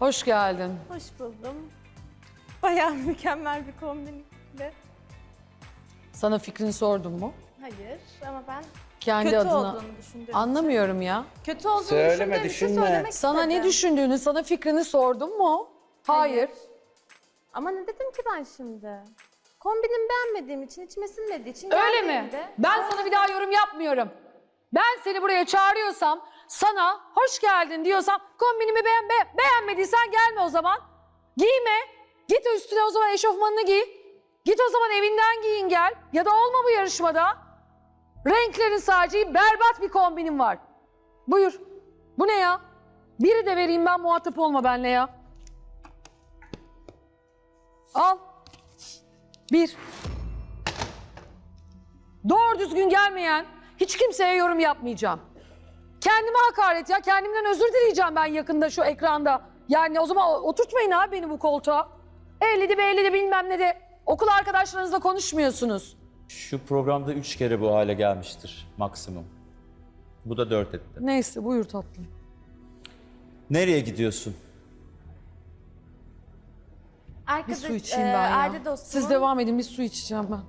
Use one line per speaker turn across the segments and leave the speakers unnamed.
Hoş geldin.
Hoş buldum. Bayağı mükemmel bir kombinle.
Sana fikrini sordum mu?
Hayır ama ben
Kendi
kötü
adına.
olduğunu düşündüğüm
Anlamıyorum ya.
için. Kötü olduğunu
Söyleme,
düşündüğüm için
düşünme.
söylemek
Sana
istedim.
ne düşündüğünü, sana fikrini sordum mu? Hayır.
Ama ne dedim ki ben şimdi? Kombinimi beğenmediğim için, içime sinmediği için
Öyle mi?
geldiğimde-
Ben sana bir daha yorum yapmıyorum. Ben seni buraya çağırıyorsam, sana hoş geldin diyorsam, kombinimi beğenmediysen gelme o zaman. Giyme. Git üstüne o zaman eşofmanını giy. Git o zaman evinden giyin gel. Ya da olma bu yarışmada. Renklerin sadece berbat bir kombinim var. Buyur. Bu ne ya? Biri de vereyim ben, muhatap olma benimle ya. Al. Bir. Doğru düzgün gelmeyen hiç kimseye yorum yapmayacağım. Kendime hakaret ya. Kendimden özür dileyeceğim ben yakında şu ekranda. Yani o zaman oturtmayın abi beni bu koltuğa. 50'de bilmem ne de okul arkadaşlarınızla konuşmuyorsunuz.
Şu programda 3 kere bu hale gelmiştir maksimum. Bu da 4 etti.
Neyse buyur tatlım.
Nereye gidiyorsun?
Bir su içeyim ben ya.
Aile dostumun,
Siz devam edin, bir su içeceğim ben.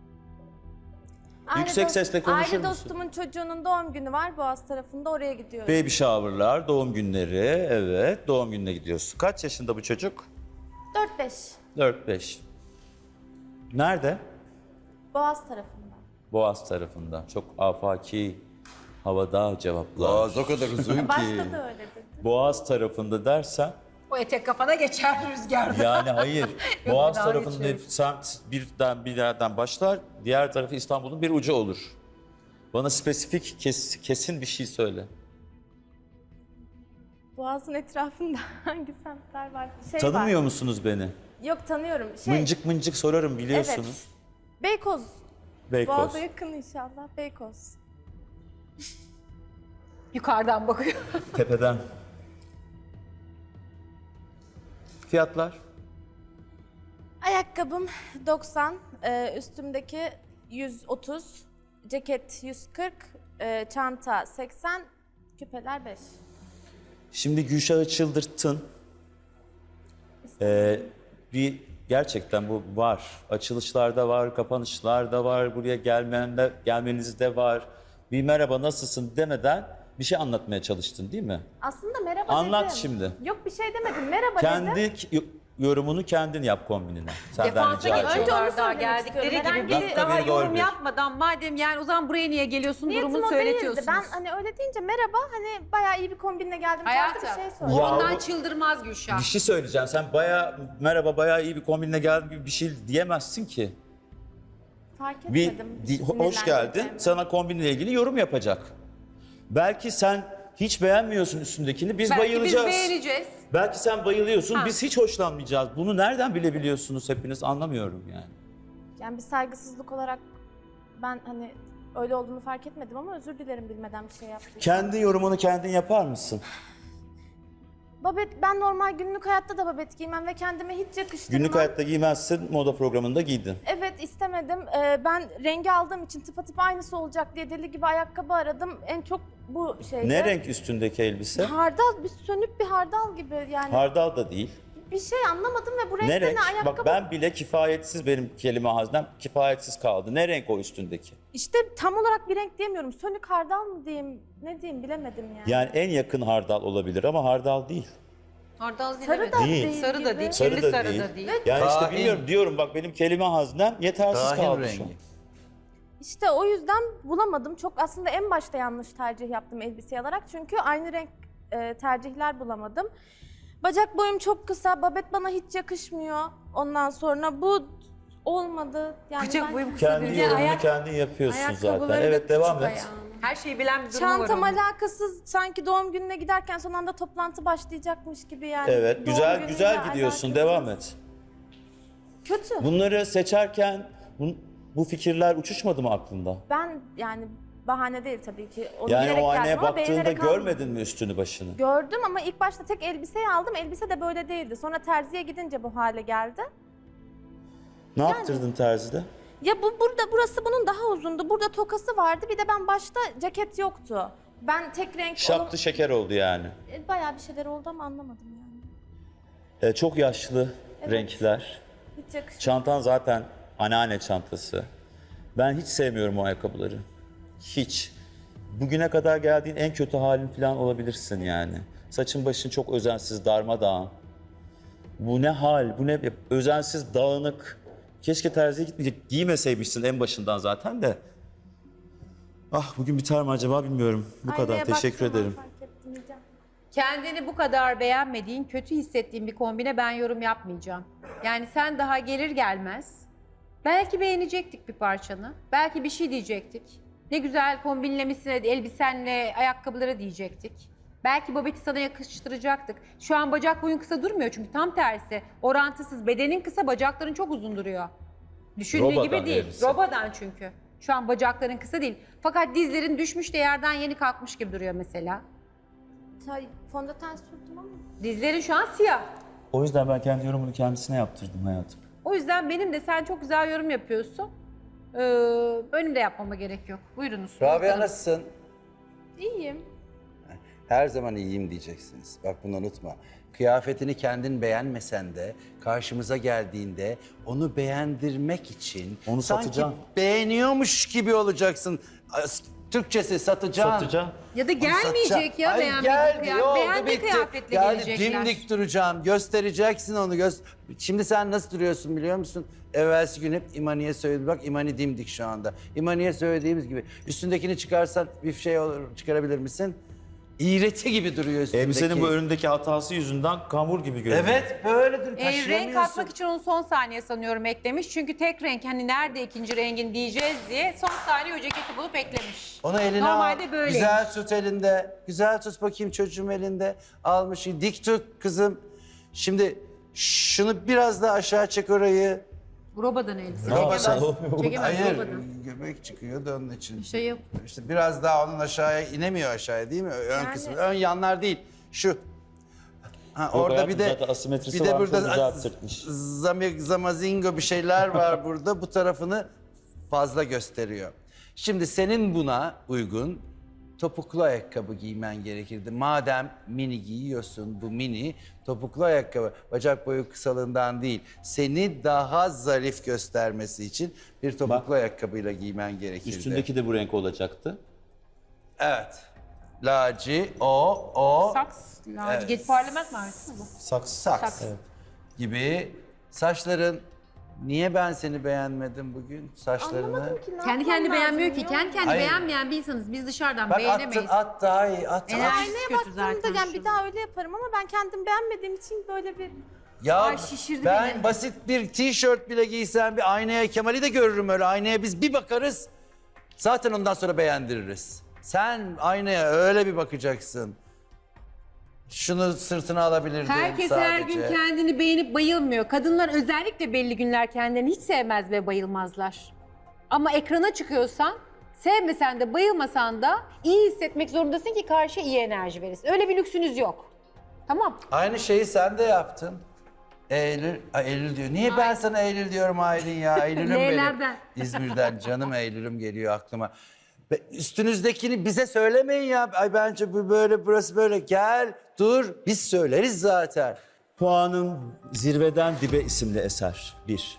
Yüksek sesle konuşur
Aile
musun?
dostumun çocuğunun doğum günü var Boğaz tarafında, oraya gidiyorum.
Baby shower'lar, doğum günleri, evet doğum gününe gidiyorsun. Kaç yaşında bu çocuk?
4-5
4-5. Nerede?
Boğaz tarafında.
Boğaz tarafında. Çok afaki havada cevaplar.
Boğaz o kadar uzun ki.
Başta da öyle dedi.
Boğaz tarafında dersen,
O etek kafana geçer rüzgarda.
yani hayır. Boğaz
dalga
tarafında
geçiyorum.
semt bir yerden başlar, diğer tarafı İstanbul'un bir ucu olur. Bana spesifik, kesin bir şey söyle.
Boğaz'ın etrafında hangi semtler var?
Tanımıyor
var.
musunuz beni?
Yok, tanıyorum.
Mıncık mıncık sorarım biliyorsunuz.
Evet. Beykoz.
Beykoz.
Boğaz'a yakın inşallah. Beykoz.
Yukarıdan bakıyor.
Tepeden. Fiyatlar?
Ayakkabım 90, üstümdeki 130, ceket 140, çanta 80, küpeler 5.
Şimdi Gülşah'ı çıldırttın. Gerçekten bu var. Açılışlarda var, kapanışlarda var, buraya gelmenizde var. Bir merhaba nasılsın demeden bir şey anlatmaya çalıştın değil mi?
Aslında merhaba
Anlat
dedim.
şimdi.
Yok, bir şey demedim. Merhaba dedim.
Kendi yorumunu kendin yap kombinine. Senden
Defansa
rica ediyorum.
Önce onu
geçiyorlar daha
söylemek
geldikleri
istiyorum.
gibi.
Herhangi
Biz
bir-
daha
Dakika, bir,
yorum
bir.
yapmadan madem yani o zaman buraya niye geliyorsun
Niyetim
durumunu
o değildi.
söyletiyorsunuz.
Ben hani öyle deyince merhaba, hani bayağı iyi bir kombinle geldim.
Hayatım,
tarzı bir şey
o
söyledim.
Ya
ondan
bu-
çıldırmaz Gülşah.
Bir şey söyleyeceğim. Sen bayağı iyi bir kombinle geldin gibi bir şey diyemezsin ki.
Fark
Bir
etmedim.
hoş geldin.
sinirlendiğimi.
Sana kombinle ilgili yorum yapacak. Belki sen hiç beğenmiyorsun üstündekini. Biz
Belki
bayılacağız.
biz beğeneceğiz.
Belki sen bayılıyorsun.
Ha.
Biz hiç hoşlanmayacağız. Bunu nereden bilebiliyorsunuz hepiniz? Anlamıyorum yani.
Yani bir saygısızlık olarak ben hani öyle olduğunu fark etmedim ama özür dilerim bilmeden bir şey yaptım.
Kendi yorumunu kendin yapar mısın?
Babet, ben normal günlük hayatta da babet giymem ve kendime hiç yakıştırmam.
Günlük hayatta giymezsin, moda programında giydin.
Evet, istemedim. Ben rengi aldığım için tıpatıp aynısı olacak diye deli gibi ayakkabı aradım. En çok bu şeydi.
Ne renk üstündeki elbise?
Hardal, bir sönük bir hardal gibi yani.
Hardal da değil.
Bir şey anlamadım ve bu renkte
Ne renk?
ne ayakkabı?
Bak ben bile kifayetsiz, benim kelime haznem kifayetsiz kaldı. Ne renk o üstündeki?
İşte tam olarak bir renk diyemiyorum. Sönük hardal mı diyeyim, ne diyeyim bilemedim yani.
Yani en yakın hardal olabilir ama hardal değil.
Hardal
Sarı da
Değil.
değil.
Sarı da
gibi.
değil.
Sarı
Kirli
da
sarı
değil.
da değil.
Yani işte
Kahin.
bilmiyorum diyorum bak benim kelime haznem yetersiz
Kahin
kaldı şu an.
rengi.
İşte o yüzden bulamadım. Çok aslında en başta yanlış tercih yaptım elbise alarak. Çünkü aynı renk tercihler bulamadım. Bacak boyum çok kısa. Babet bana hiç yakışmıyor. Ondan sonra bu olmadı. Yani
Bacak
ben-
boyum kısa
Kendi
değil.
yorumunu kendin yapıyorsun zaten.
Ayakkabıları da
Evet devam
küçük
et.
ayağının. Her şeyi bilen bir durumu var
Çantam
onun.
alakasız, sanki doğum gününe giderken son anda toplantı başlayacakmış gibi yani.
Evet
Doğum
güzel
günüyle
güzel gidiyorsun
alakasız.
devam et.
Kötü.
Bunları seçerken bu fikirler uçuşmadı mı aklında?
Ben yani bahane değil tabii ki. Onu
Yani
bilerek
o aynaya
geldim ama
baktığında
beğenerek almadım.
görmedin mi üstünü başını?
Gördüm ama ilk başta tek elbiseyi aldım. Elbise de böyle değildi. Sonra terziye gidince bu hale geldi.
Ne yaptırdın terzide?
Ya burası bunun daha uzundu. Burada tokası vardı. Bir de ben başta ceket yoktu. Ben tek renk
Şaptı şeker oldu yani.
Bayağı bir şeyler oldu ama anlamadım yani.
Çok yaşlı renkler.
Hiç yakışmıyor.
Çantan zaten anneanne çantası. Ben hiç sevmiyorum o ayakkabıları. Hiç. Bugüne kadar geldiğin en kötü halin falan olabilirsin yani. Saçın başın çok özensiz, darmadağın. Bu ne hal, bu ne özensiz, dağınık. Keşke terziye giymeseymişsin en başından zaten de. Ah bugün biter mi acaba bilmiyorum. Bu kadar.
Aynaya
Teşekkür
baktığım an
ederim.
fark ettim diyeceğim.
Kendini bu kadar beğenmediğin, kötü hissettiğin bir kombine ben yorum yapmayacağım. Yani sen daha gelir gelmez belki beğenecektik bir parçanı. Belki bir şey diyecektik. Ne güzel kombinlemişsin elbisenle ayakkabıları diyecektik. Belki babeti sana yakıştıracaktık. Şu an bacak boyun kısa durmuyor çünkü tam tersi. Orantısız. Bedenin kısa, bacakların çok uzun duruyor. Düşündüğü
Robadan
gibi değil.
elbise.
Robadan çünkü. Şu an bacakların kısa değil. Fakat dizlerin düşmüş de yerden yeni kalkmış gibi duruyor mesela.
Fondöten sürdüm ama.
Dizlerin şu an siyah.
O yüzden ben kendi yorumunu kendisine yaptırdım hayatım.
O yüzden benim de sen çok güzel yorum yapıyorsun. Benim de yapmama gerek yok. Buyurunuz.
Rabia nasılsın?
İyiyim.
Her zaman iyiyim diyeceksiniz. Bak bunu unutma. Kıyafetini kendin beğenmesen de karşımıza geldiğinde onu beğendirmek için
Onu
sanki
satacaksın.
beğeniyormuş gibi olacaksın. Türkçesi satacaksın.
Satacağım.
Ya da
Onu
gelmeyecek
satacaksın.
ya
Ay,
beğenmediği
geldi,
kıyafet.
oldu,
Beğendiği
bitti.
kıyafetle
Yani
gelecekler.
dimdik duracağım. Göstereceksin onu. Şimdi sen nasıl duruyorsun biliyor musun? Evvelsi gün hep İmani'ye söyledim. Bak İmani dimdik şu anda. İmani'ye söylediğimiz gibi. Üstündekini çıkarsan bir şey olur, çıkarabilir misin? İğreti gibi duruyor üstündeki.
Elbisenin bu önündeki hatası yüzünden kamur gibi görünüyor.
Evet böyledir.
Renk
Taşıyamıyorsun.
katmak için onu son saniye sanıyorum eklemiş. Çünkü tek renk hani nerede ikinci rengin diyeceğiz diye son saniye o ceketi bulup eklemiş.
Onu eline
Normalde
al.
böyleymiş.
Güzel tut elinde. Güzel tut bakayım çocuğum elinde. Almış. Dik tut kızım. Şimdi şunu biraz daha aşağı çek orayı.
Robadan elbise.
Ne yapsın?
Çekemez
Hayır.
robadan.
Göbek çıkıyor da onun için.
Şey yok.
İşte biraz daha onun aşağıya inemiyor aşağıya değil mi? Ön kısmı. Ön yanlar değil. Şu. Ha, orada
hayatım,
bir de
zaten asimetrisi
bir de
varmış,
burada
onu düzelttirmiş.
zamazingo bir şeyler var burada. Bu tarafını fazla gösteriyor. Şimdi senin buna uygun topuklu ayakkabı giymen gerekirdi. Madem mini giyiyorsun, bu mini topuklu ayakkabı bacak boyu kısalığından değil, seni daha zarif göstermesi için bir topuklu ayakkabıyla giymen gerekirdi.
Üstündeki de bu renk olacaktı.
Evet. Laci, o,
Saks.
Evet.
Geç parlament markası mı bu?
saks gibi. Saçların, niye ben seni beğenmedim bugün saçlarını?
Anlamadım ki ne
Kendi
yapmam
kendini beğenmiyor
lazım,
ki.
biliyor
Kendi kendini
Hayır.
beğenmeyen bir insanız. Biz dışarıdan
Bak
beğenemeyiz.
at daha iyi, at.
Enerjisi
Aynaya
kötü
baktığımda
zaten.
yani bir daha öyle yaparım ama ben kendim beğenmediğim için böyle bir...
Ya
Ay, şişirdi
ben
beni.
basit bir tişört bile giysem bir aynaya Kemal'i de görürüm öyle. Aynaya biz bir bakarız. Zaten ondan sonra beğendiririz. Sen aynaya öyle bir bakacaksın. Şunu sırtına alabilirdin
Herkes
sadece.
her gün kendini beğenip bayılmıyor. Kadınlar özellikle belli günler kendilerini hiç sevmez ve bayılmazlar. Ama ekrana çıkıyorsan, sevmesen de bayılmasan da iyi hissetmek zorundasın ki karşıya iyi enerji verirsin. Öyle bir lüksünüz yok. Tamam.
Aynı şeyi sen de yaptın. Eylül diyor. Niye ben sana Eylül diyorum Aylin ya? Eylül'üm benim.
L'lerden.
İzmir'den canım Eylül'üm geliyor aklıma. Üstünüzdekini bize söylemeyin ya. Ay bence bu böyle, burası böyle. Gel, dur. Biz söyleriz zaten.
Puanım Zirveden Dibe isimli eser. 1.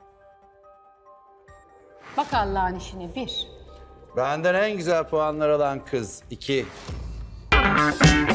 Bak Allah'ın işine bir.
Benden en güzel puanlar alan kız. 2.